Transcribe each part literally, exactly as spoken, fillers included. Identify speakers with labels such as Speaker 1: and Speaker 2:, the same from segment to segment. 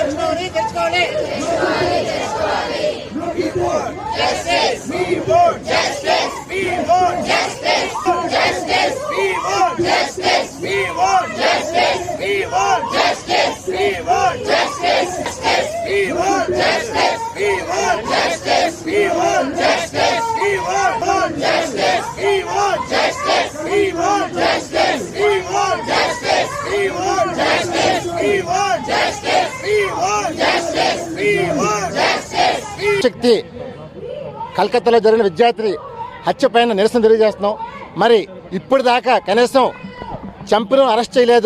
Speaker 1: తెచ్చుకోవాలి తెచ్చుకోవాలి
Speaker 2: Justice. We want justice. We want justice. Justice. We want justice. We want justice. We want justice. We want justice. We want justice. We want justice. We want justice. We want justice. We want justice. We want justice. We want justice. We want justice. We want justice. We want justice. We want justice.
Speaker 3: శక్తి కలకత్తాలో జరిగిన విద్యార్థి హత్య పైన నిరసన తెలియజేస్తున్నాం. మరి ఇప్పుడు దాకా కనీసం చంపిన అరెస్ట్ చేయలేదు,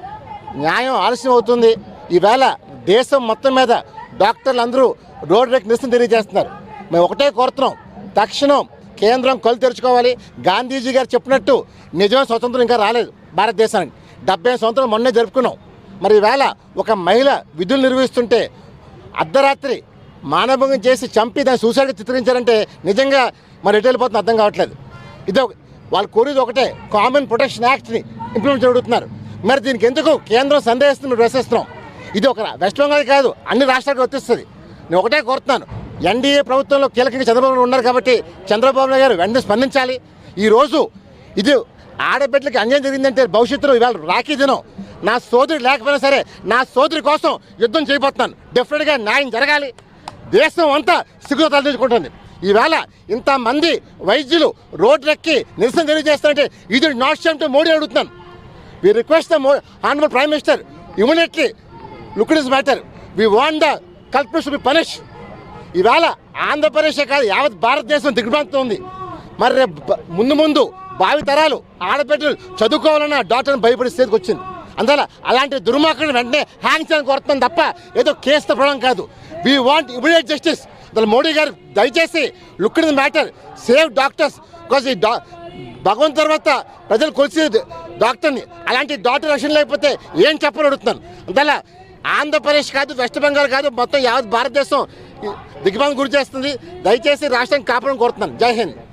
Speaker 3: న్యాయం ఆలస్యం అవుతుంది. ఈవేళ దేశం మొత్తం మీద డాక్టర్లు అందరూ రోడ్ రేక్ నిరసన తెలియజేస్తున్నారు. మేము ఒకటే కోరుతున్నాం, తక్షణం కేంద్రం కళ్ళు తెరుచుకోవాలి. గాంధీజీ గారు చెప్పినట్టు నిజమైన స్వతంత్రం ఇంకా రాలేదు భారతదేశానికి. డెబ్బై సంవత్సరం మొన్నే జరుపుకున్నాం. మరి ఈవేళ ఒక మహిళ విధులు నిర్వహిస్తుంటే అర్ధరాత్రి మానభంగం చేసి చంపి దాన్ని సూసైడ్ చిత్రించారంటే నిజంగా మరి ఎటు వెళ్ళిపోతుంది అర్థం కావట్లేదు. ఇదో వాళ్ళు కోరేది ఒకటే, కామన్ ప్రొటెక్షన్ యాక్ట్ని ఇంప్లిమెంట్ జరుగుతున్నారు. మరి దీనికి ఎందుకు కేంద్రం సందేహిస్తుంది మేము ప్రశ్నిస్తున్నాం. ఇది ఒక వెస్ట్ బెంగాల్ కాదు, అన్ని రాష్ట్రాలకు వర్తిస్తుంది. నేను ఒకటే కోరుతున్నాను, ఎన్డీఏ ప్రభుత్వంలో కీలకంగా చంద్రబాబు నాయుడు ఉన్నారు కాబట్టి చంద్రబాబు నాయుడు గారు వెంటనే స్పందించాలి. ఈరోజు ఇది ఆడబిడ్డలకి అన్యాయం జరిగిందంటే భవిష్యత్తులో ఇవాళ రాఖీ దినం, నా సోదరి లేకపోయినా సరే నా సోదరి కోసం యుద్ధం చేయబోతున్నాను. డెఫినెట్గా న్యాయం జరగాలి. దేశం అంతా సిగ్గుతో తలదించుకుంటుంది. ఈవేళ ఇంతమంది వైద్యులు రోడ్లెక్కి నిరసన తెలియజేస్తారంటే ఇది నాట్ షేమ్ టు మోడీ అడుగుతున్నాను. We request the honourable prime minister immediately look this matter. We want the culprits to be punish. ఈవేళ ఆంధ్రప్రదేశ్ కాదు యావత్ భారతదేశం దిగ్భ్రాంతి ఉంది. మరి రేపు ముందు ముందు భావి తరాలు ఆడబిడ్డలు చదువుకోవాలన్న డాక్టర్ని భయపడే స్థితికి వచ్చింది. అందువల్ల అలాంటి దుర్మార్గులను వెంటనే హ్యాంగ్ చేయాలని కోరుతున్నాం తప్ప ఏదో కేసుతో పడడం కాదు. We want immediate justice. అసలు మోడీ గారు దయచేసి look in the matter, save doctors. Because ఈ డా భగవంతు తర్వాత ప్రజలు కొలిసి డాక్టర్ని, అలాంటి డాక్టర్ రక్షణ లేకపోతే ఏం చెప్పని అడుగుతున్నాను. అందువల్ల ఆంధ్రప్రదేశ్ కాదు, వెస్ట్ బెంగాల్ కాదు, మొత్తం యావత్ భారతదేశం దిగ్భ్రాంతికి గురి చేస్తుంది. దయచేసి రాష్ట్రాన్ని కాపాడని కోరుతున్నాను. జై హింద్.